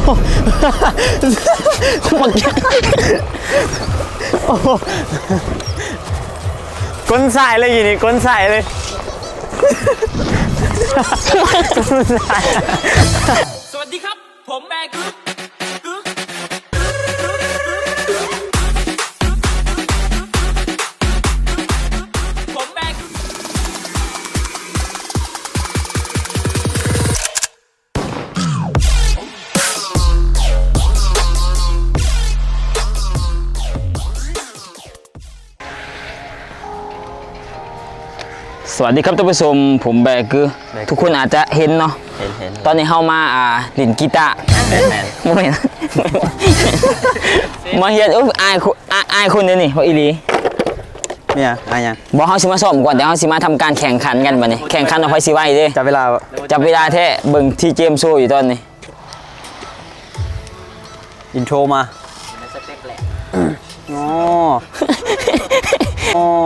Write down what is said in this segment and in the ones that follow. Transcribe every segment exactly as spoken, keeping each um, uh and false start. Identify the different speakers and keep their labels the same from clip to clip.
Speaker 1: มันก้นสายเลยอย่างนี้ก้นสายเลย
Speaker 2: สวัสดีครับผมแบกึ๊กกึ๊กผมแบกึ๊ก
Speaker 3: สวัสดีครับท่านผู้ชมผมแบกือทุกคนอาจจะเห็นเนาะ
Speaker 1: เห็นเห็น
Speaker 3: ตอนนี้เข้ามาอ่าหลินกีตาร์โมเมนต์มาเฮียนอุ๊ยอายอายคนเดียวนี่เพราะอีหลี
Speaker 1: เนี่ยอะไรยัง
Speaker 3: บอกเขาสิมาซ้อมก่อนเดี๋ยวเขาสิมาทำการแข่งขันกันบัดนี้แข่งขันเอาไปสิไว้เด้
Speaker 1: จับเวลา
Speaker 3: จับเวลาแท้เบิ่งที่เจมส์โซ่อยู่ตอนนี้
Speaker 1: อินโทรมาอ๋ออ๋อ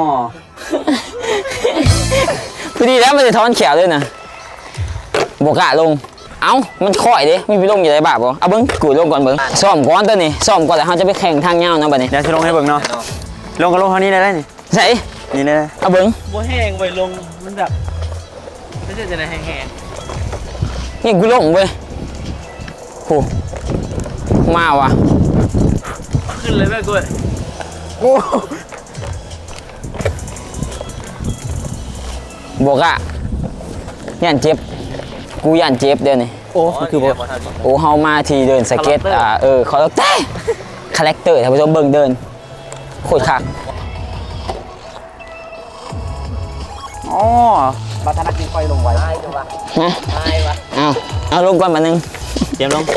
Speaker 3: พอดีแล้วมันจะท้อนแขวด้วยนะบวกะลงเอ้ามันค่อยดิไม่ไปลงอยู่ในบาปบ่เอาเบิ้งกูลงก่อนเบิ้งซ้อมก่อนตัวนี้ซ้อมก่อนแล้วเขาจะไปแข่งทางเงาเนาะบัดนี้
Speaker 1: เดี๋ยวจะลงให้เบิ้งเนาะลงก็ลงเท่านี้ได้ได้นี่
Speaker 3: ใช่
Speaker 1: นี่เลย
Speaker 3: เอาเบิ้ง
Speaker 2: บัวแห้งไว้ลงมันแบบไม่ใช่จะไหนแห้ง
Speaker 3: ๆนี่กูลงเว้ยโหมาว่ะ
Speaker 2: ขึ้นเลยแม่กู
Speaker 1: โอ้
Speaker 3: บวกอะย่านเจ็บกูย่านเจ็บเดี๋ยวนี้
Speaker 1: โอ้คือบอก
Speaker 3: โอ้เฮามาทีเดินสเก็ตอ่าเออคาแรคเตอร์คาแรคเตอร์ท่านผู้ชมเบิ่งเดินโคตรคัก
Speaker 1: อ๋อบัตรธนาคารไฟลงไว้
Speaker 3: ฮะเอาเอาลงก่อนมาหนึ่ง
Speaker 1: เตรียมลง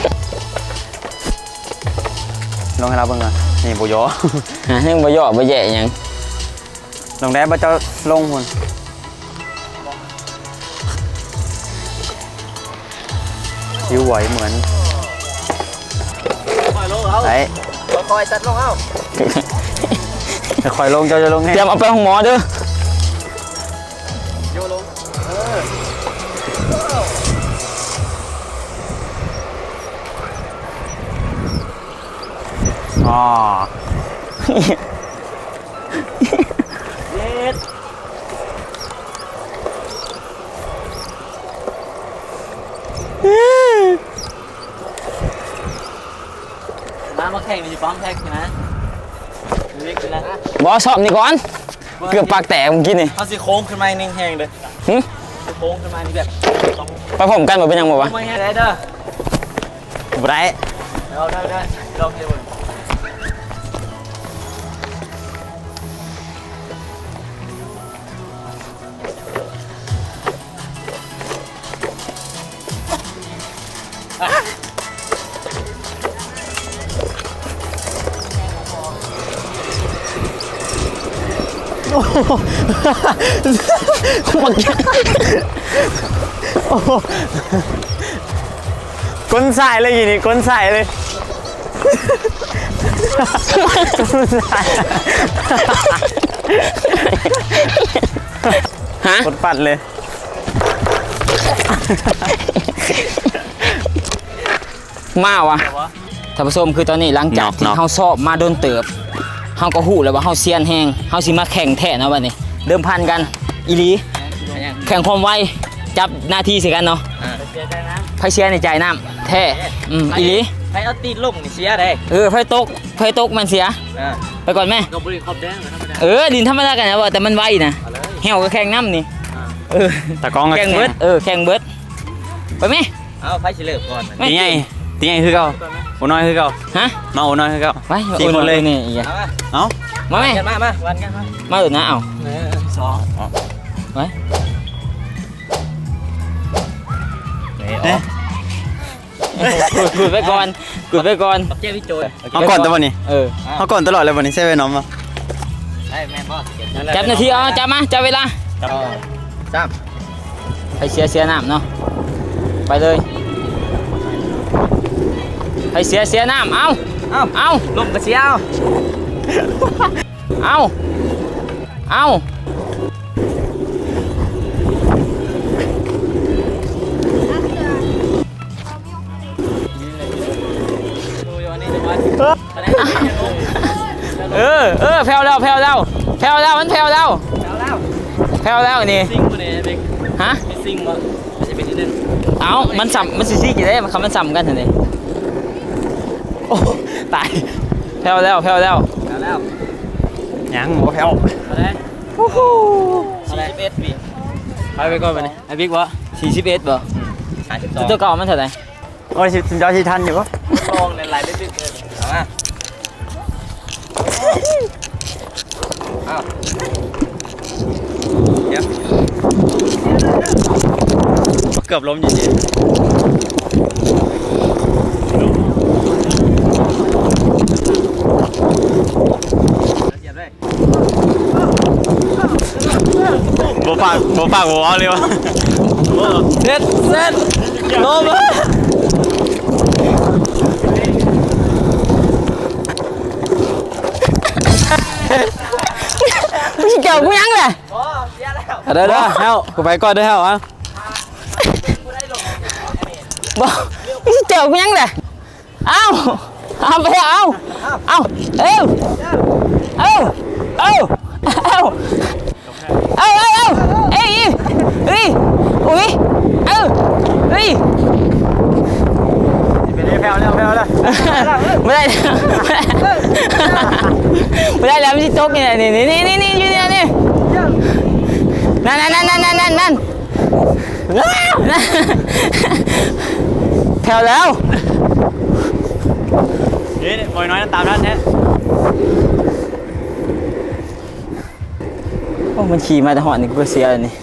Speaker 1: ลงให้เราเบิ่งก่อนนี่บุยอ
Speaker 3: ฮะนึ่งบ่ย่อบ่แย่ยัง
Speaker 1: ลงได้บ่เจ้าลงหุ่นยิ้วไหวเหมือนไอ้
Speaker 2: คอยสัดลงเอ้า
Speaker 1: คอยลงเจ้าจะลงให้
Speaker 3: เตรียมเอาไปห้องหมอเด้อ
Speaker 2: โยลงเอ
Speaker 1: ออ๋อ
Speaker 2: เย็ดมามาแข่งมีป้อมแท็กนะเรียกกันนะ
Speaker 3: บอสอบนี่ก่อนเกือบปากแตกเมื่อกี้นี่
Speaker 2: เอาสิโค้งขึ้นมาหนึ่งแห้งเลย
Speaker 3: หืม
Speaker 2: โค้งขึ้นมานี่แบบ
Speaker 3: ไปผมกันหมดเป็นยังหมดวะ
Speaker 2: ไม่ให้ได้เด้อ
Speaker 1: ไบรท์
Speaker 2: เอาได้ได้ลองดู
Speaker 1: มันก้นสายเลยอย่างนี้ก้นสายเลย
Speaker 3: ฮะ
Speaker 1: กดปัดเลย
Speaker 3: มาวะท่านผู้ชมคือตอนนี้หลังจากที่เขาสอบมาโดนเติบเขาก็หู้แล้วว่าเขาเซียนแหงเขาสิมาแข่งแท้นะวันนี้เดิมพันกันอีหลีแข่งความไวจับหน้าที่สิกันเนาะไฟเชียในใจน้ำแท้อืมอีหลี
Speaker 2: ไฟเอาตีนลงนี่เสียได้
Speaker 3: เออไฟตกไฟตกมันเสียไปก่อนแม่
Speaker 2: ก็บริขอบแดง
Speaker 3: เออดินธรรมดากันนะว่าแต่มันไวนะเหี่ยวก็แข่งน้ำนี่เออ
Speaker 1: ตะกอง
Speaker 3: แข่งเบิร์ดเออแข่งเบิร์ดไปไหม
Speaker 2: เอาไฟเฉลิมก่อน
Speaker 1: ตีไงตีไงคือเก่าโอ้น้อยคือเก่า
Speaker 3: ฮะ
Speaker 1: มาโอ้น้อยคือเก่า
Speaker 3: ไปสี่คนเลยนี่อีก
Speaker 1: เอ้า
Speaker 3: มาไหม
Speaker 2: มามาวันกันมา
Speaker 3: มาดูนะเอา
Speaker 2: สอง
Speaker 3: ไปกุดไปก่อนกุดไปก่อน
Speaker 2: เจ้าพี่โจย
Speaker 1: เอาก่อนตัวนี้
Speaker 3: เออ
Speaker 1: เอาก่อนตลอดเลยวันนี้ใช่ไหมน้องมา
Speaker 3: จับนาทีเอาจับมาจับเวลา
Speaker 2: จับ
Speaker 3: ให้เสียเสียน้ำเนาะไปเลยให้เสียเสียน้ำเอา
Speaker 2: เอา
Speaker 3: เอา
Speaker 2: ลงกระเสียเอา
Speaker 3: เอาเอาอเออแผ่วแล้วแผ่วแล้วแผ่วแล้วมันแผ่วแล้ว
Speaker 2: แล้วแล้ว
Speaker 3: แผ่วแล้วนี่
Speaker 2: ซิงกูเนี่ยเด็ก
Speaker 3: ฮะ
Speaker 2: มีซิงวะไม่ใช่เป็นนิดนึง
Speaker 3: เอ้ามันสัมมันสิซี่กี่ได้มันคำมันสัมกันเถอะนี่โอ้ตายแผ่วแล้วแผ่วแล้ว
Speaker 2: แล้วแล้ว
Speaker 1: ยังหัวแผ่ว
Speaker 2: เอาเลย
Speaker 3: โอ้โห
Speaker 2: เอาเลยสิบเอ็ดปีไปไปก่อนไปนี่ไอ้บิ๊กวะ
Speaker 3: สี่สิบเอ็ดบ่
Speaker 2: ห้าสิบสอง
Speaker 3: ตัวเก่ามันเท่าไหร่
Speaker 1: โอ้ยสินจอชีทันอยู่ปะ
Speaker 2: ลองหลายๆเล็กๆเลยเอามาเอาเดี๋ยวเกือบล้มจริงๆ
Speaker 1: โบฝากโบฝากโบเอาเลยวะ
Speaker 2: เซ็ตเซ็ตลมอ่ะ
Speaker 3: มึงสิเกี่ยวกูยังเลย
Speaker 2: ได้ได้เฮ้ากูไปก่อนได้เฮ้าอ่ะ
Speaker 3: บ่มึงสิเกี่ยวกูยังเลยเอ้าเอาไปเอาเอาเอ้าเอ้าเอ้าเอ้าเอ้าเอ้าเอ้าเอ้ยเอ้ยอุ้ยเอ้าเอ้ย
Speaker 1: เป็นแผ่วแล้วแผ่วแล้ว
Speaker 3: ไม่ได้ไม่ได้แล้วมันจะตกนี่นี่นี่นี่นี่อยู่นี่นี่นั่นนั่นนั่นนั่นนั่นนั่นแถวแล้ว
Speaker 1: เฮ้ยบอยน้อยนั่นตามท่านแท้
Speaker 3: โอ้มันขี่มาแต่หอนี่กูเสียเลยนี่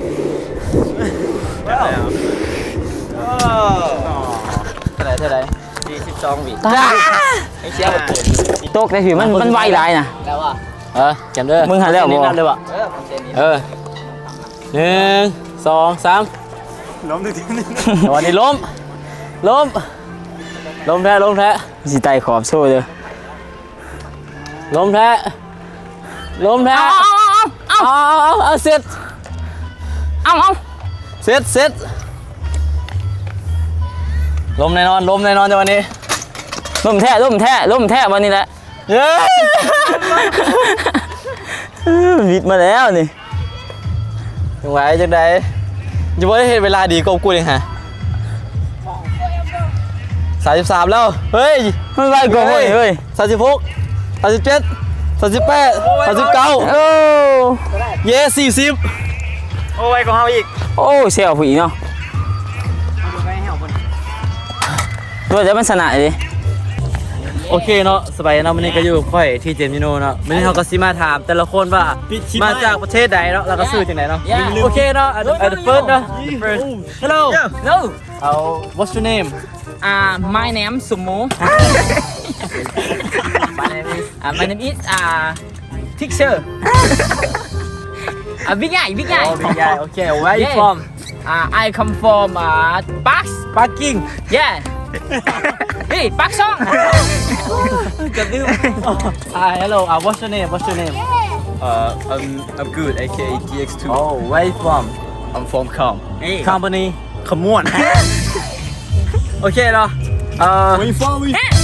Speaker 2: เท่าไหร่เท่าไหร่สี่สิบสองวิ
Speaker 3: ตาย
Speaker 2: ไอ้เชี่ยหมดเลย
Speaker 3: ตกแต่ผิวมันมันไวหลายนะ
Speaker 2: แล้วอ่ะเออจำเด้อ
Speaker 3: มึงหาแล้วบ่
Speaker 2: นั่นเลยว่ะเออหนึ่งสองสาม
Speaker 1: ล้มถึงที่นี่
Speaker 2: วันนี้ล้มล้มล้มแท้ล้มแท้
Speaker 3: สิไตขอบโซ่เลย
Speaker 2: ล้มแท้ล้มแท้
Speaker 3: เอาเอาเอา
Speaker 2: เอาเอาเอาเสร็จ
Speaker 3: เอาเอา
Speaker 2: เสร็จเสร็จล้มแน่นอนล้มแน่นอนในวันนี้
Speaker 3: ล่มแท้ล่มแท้ล่มแท้วันนี้แหละ
Speaker 2: เย้
Speaker 3: วิดมาแล้วนี่
Speaker 2: จังไหวจังใดจะบ่ได้เห็นเวลาดีกว่ากูเลยฮะสามสิบสามแล้วเฮ้ย
Speaker 3: มันไวกว่าเว้ยเฮ้ย
Speaker 2: สามสิบหกสามสิบเจ็ดสามสิบแปดสามสิบเก้า
Speaker 3: โอ้
Speaker 2: เย้สี่สิบ
Speaker 1: โอ้ยของเขาอีก
Speaker 3: โอ้เสียวผู้หญิงเนาะตัวจะเป็นสนะดิ
Speaker 2: โอเคเนาะสบายเนาะวันนี้ก็อยู่กับค่อยที่เจมส์ยูโนเนาะวันนี้เขาก็สิมาถามแต่ละคนว่ามาจากประเทศใดเนาะแล้วก็ซื้อจากไหนเนาะโอเคเนาะ at the- at the first เนาะ the first hello
Speaker 3: no
Speaker 2: uh, what's your name
Speaker 3: uh my name Sumo
Speaker 2: my name is
Speaker 3: uh, my name is uh teacher uh big guy big guy
Speaker 2: oh big guy okay where you
Speaker 3: Yeah.
Speaker 2: from
Speaker 3: uh I come from uh Park
Speaker 2: Parking
Speaker 3: yeah hey Park Song
Speaker 2: จะลืม ah hello uh, what's your name what's your name
Speaker 4: Uh, I'm I'm good. A K A T X two.
Speaker 2: oh where you from
Speaker 4: I'm from Com.
Speaker 2: company
Speaker 4: Come on.
Speaker 2: โอเคเนาะเอ่อ
Speaker 4: Where you from?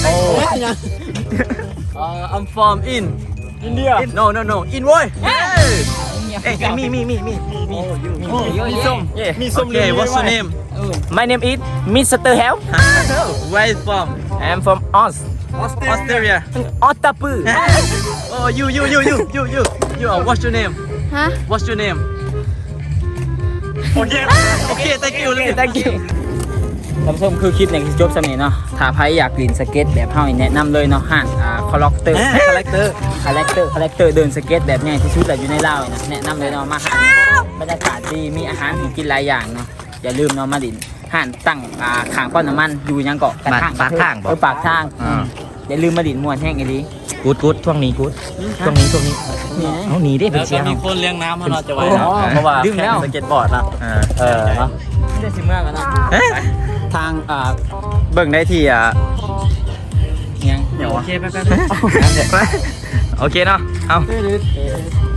Speaker 2: uh, I'm from in
Speaker 4: India.
Speaker 2: in no no no in เว้ย Hey, me, me, me, me, me, me.
Speaker 3: Oh,
Speaker 2: Me some. Yeah.
Speaker 4: Me some
Speaker 2: Okay,
Speaker 4: really
Speaker 2: what's your
Speaker 4: right.
Speaker 2: name?
Speaker 3: my name is Mister Help
Speaker 2: Where you from?
Speaker 3: I'm from Oz
Speaker 2: Australia.
Speaker 3: Otapu
Speaker 2: Oh, you, you, you, you, you, you. You. Uh, what's your name?
Speaker 3: ฮะ
Speaker 2: What's your name?
Speaker 4: Okay.
Speaker 2: Okay, thank you.
Speaker 3: thank you ท่านผู้ชมคือคลิปเนี่ยจบสำเนีเนาะถ้าใครอยากเล่นสเก็ตแบบเฮานี่แนะนำเลยเนาะห้างอ่าคอลเลกเตอร์
Speaker 2: Character.
Speaker 3: คาแรคเตอร์คาแรคเตอร์เดินสเก็ตแบบง่ายที่สุดแหละอยู่ในลาวนี่นะแนะนำเลยเนาะมาห้างบรรยากาศดีมีอาหารให้กินหลายอย่างเนาะอย่าลืมเนาะมาดินห้างตั้งอ่าขางป้อนน้ำมันอยู่ยังเกาะกระทาง
Speaker 1: ปากทางบ่
Speaker 3: เออปากทางอย่าลืมมาดินม่วนแห้งไอ้ดี
Speaker 1: กูดกูดช่วงนี้กูดช่วงนี้ช่วงนี้
Speaker 3: นี่
Speaker 1: เอาหนีได้
Speaker 2: แล้
Speaker 1: เป็น
Speaker 2: ว
Speaker 1: เสี
Speaker 2: ก็
Speaker 1: ยง
Speaker 2: มีคนเลี้ยงน้ำให้เราจะไว้
Speaker 3: โอ้
Speaker 2: นะ
Speaker 3: โห
Speaker 2: เพราะว่า
Speaker 3: ดื่มแล้ว
Speaker 2: แข่งสเก็ตบอร์ดนะ
Speaker 1: อ่า
Speaker 2: เออเนาะ
Speaker 3: ไม่ได้สิเมื่อกันเนาะ
Speaker 1: ทางอ่าเบิ่งได้ที่อ่า
Speaker 3: ยัง
Speaker 1: เดี๋ยว
Speaker 2: โอ
Speaker 1: วะ
Speaker 2: เคไปไปไป
Speaker 1: โอเคเนาะเอา
Speaker 3: เออ